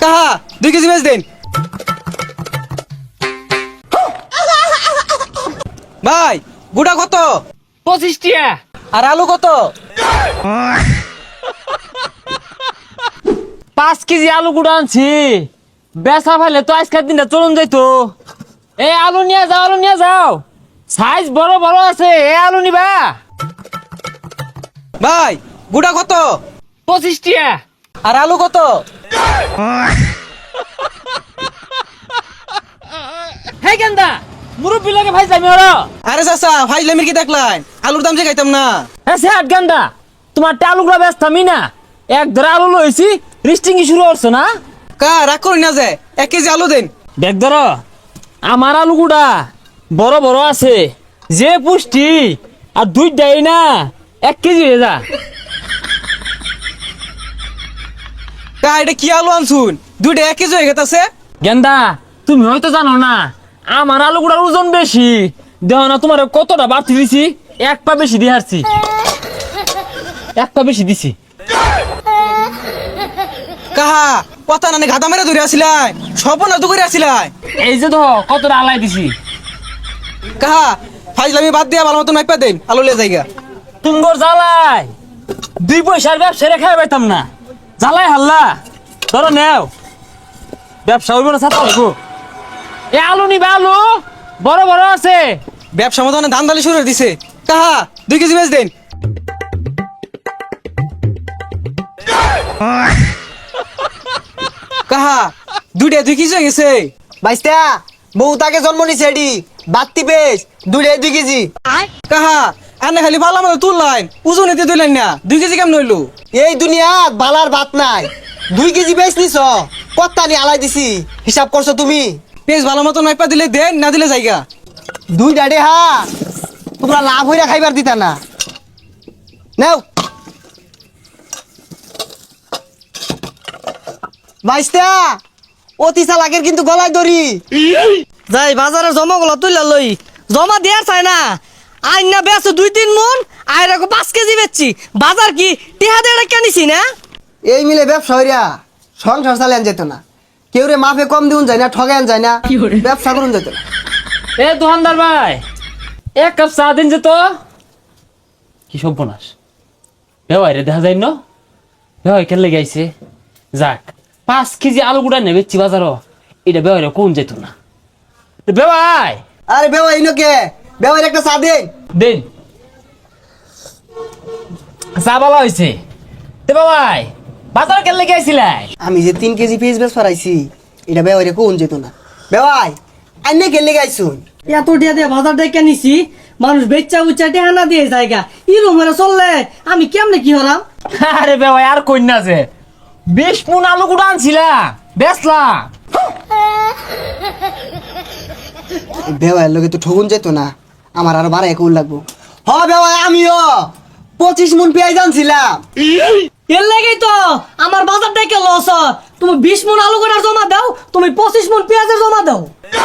কাহা 2 কেজি বেচ দেন ভাই। গুড়া কত? 25 টিয়া। আর আলু কত? 5 কেজি আলু গুঁড়া আনছি, বেচা ফেলে তো আজকের দিনটা চলুন যাইতো। এই আলু নিয়ে যাও, আলু নিয়ে যাও, সাইজ বড় বড় আছে। এই আলু নিবা? ভাই গুড়া কত? 25 টিয়া। আর আলু কত? হে গেন্দা, মুরব্বি লাগে ভাই যামি ওরা। আরে চাচা ফাইজলামির কি দেখলাই? আলুর দাম যে খাইতাম না। হ্যাঁ সে গেন্দা, তোমার আলুগুলা ব্যস্ত আমি না, এক ধরে আলু লইছি, রিস্টিং শুরু করছো না? কা রাগ করি না যে 1 কেজি আলু দেন। দেখ ধর, আমার আলুগুড়া বড় বড় আছে, যে পুষ্টি, আর 2টাই না 1 কেজি হয়ে যা। কা এটা কি আলু আনছুন? 2টা 1 কেজি হয়ে গেছে। গেন্দা, তুমি হয়তো জানো না, আমার আলুগুড়ার ওজন বেশি। দেহ না তোমার কতটা বাড়তি দিছি, 1 পা বেশি দিয়ে হারছি, 1 পা বেশি দিছি। কাহা কথা না গাদা মেরে ধরে আসিলাই, সব না তো করে আসিলাই। এই যে তো কতটা আলাই দিছি। কাহা ফাইজলামি বাদ দিয়া ভালো মতন মাইপা দেন, আলু লে জায়গা। তুমগর জ্বালাই 2 পয়সার ব্যবসা রেখে পাইতাম না, জ্বালাই হাল্লা। ধরো নেও, ব্যবসা হইব না ছাত্র হইব। এ আলু নিবে, আলু বড় বড় আছে। ব্যবসা মতো ধান দালি শুরু করে দিছে। কাহা 2 কেজি বেচ দেন। কাহা 2টা 2 কেজি হয়ে গেছে। বাইস্তা বউ তাকে জন্ম নিছে এডি বাত্তি পেস 2 কেজি। কাহা আনে খালি ভালো মতো তুললাইন, ওজন এতে তুললেন না। 2 কেজি কেমন হইলো? এই দুনিয়াত বালার ভাত নাই, 2 কেজি বেচ নিছ, কত্তানি আলাই দিছি, হিসাব করছো তুমি? পেঁচ ভালো মতন মাইপা দিলে দেন, না দিলে জায়গা। 2টা হা তোমরা লাভ হইরা খাইবার দিতা না। নাও বাইস্তা, অতি চালাকের কিন্তু গলায় দড়ি। যাই বাজারে জমা গুলো তুইলা লই, জমা দেয়ার চাই না। আইন না বেছো 2-3 মন, আইরা 5 কেজি বেচছি। বাজার কি টিহা দিয়ে কেনিছি না? এই মিলে ব্যবসা হইরা সংসার চালান যেত না, কেউ রে মাফে কম দিউন যায় না, ঠগান যায় না, ব্যবসা করুন যেত না। এ দোকানদার ভাই, 1 কাপ চা দিন যে তো। কি সর্বনাশ, বেওয়াইরে দেখা যায় না, বেওয়াই কেলে গাইছে। যাক, 5 কেজি আলু গুড়া নেবেছি বাজারও, এটা বেওয়াইরে কোন যেত না। বেওয়াই আরে বেওয়া ইনোকে বেওয়ার একটা চা দেন। দিন, চা বলা হয়েছে। তে বেওয়াই বাজার কেলে গাইছিলাই? আমি যে 3 কেজি পেঁয়াজ বেশ ফরাইছি, এটা বেওয়ারে কোন যেত না। বেওয়াই আইনে গেলে গাইছুন, এত টিহা দিয়ে বাজার দিয়ে কেনিছি, মানুষ বেচা উচ্চা টিহা না দিয়ে জায়গা ইরম হয়ে চললে আমি কেমনে কি হলাম? আরে বেওয়াই আর কইনা যে 20 মন আলু গুড়া আনছিলা, বেচলাম। বেওয়ার লোকে তো ঠগুন যেত না, আমার আরো 12 একুল লাগবো। হ বেওয়াই আমিও 25 মন পেঁয়াজ আনছিলাম। এর লাগেই তো আমার বাজার থেকে লস হয়। তুমি 20 মন আলু করে জমা দাও, তুমি 25 মন পেঁয়াজের জমা দাও।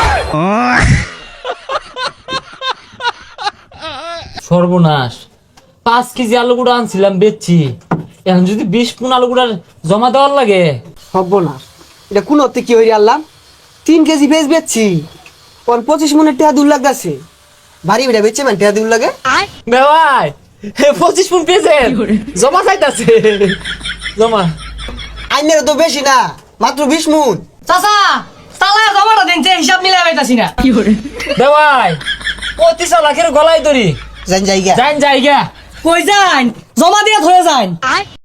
সর্বনাশ, 5 কেজি আলু গুঁড়া আনছিলাম বেচছি, এখন যদি 20 মন আলু গুঁড়ার জমা দেওয়ার লাগে। হব না, এটা কোন অর্থে কি হইরে আনলাম? 3 কেজি পেঁয়াজ বেচছি, ওর 25 মনের টেহা দূর লাগতেছে। ভারী বেটা বেচছে মানে টেহা দূর লাগে। বেওয়াই 25 মন পেয়েছে, জমা চাইতাছে, জমা। আইনের তো বেশি না, মাত্র 20 মন। চাচা চালায় জমাটা দিন, যে হিসাব মিলাই পাইতাছি না। বেওয়াই 25 লাখের গলায় দড়ি, জান জায়গা যাইন জায়গা। কই যান, জমা দিয়ে ধরে যান।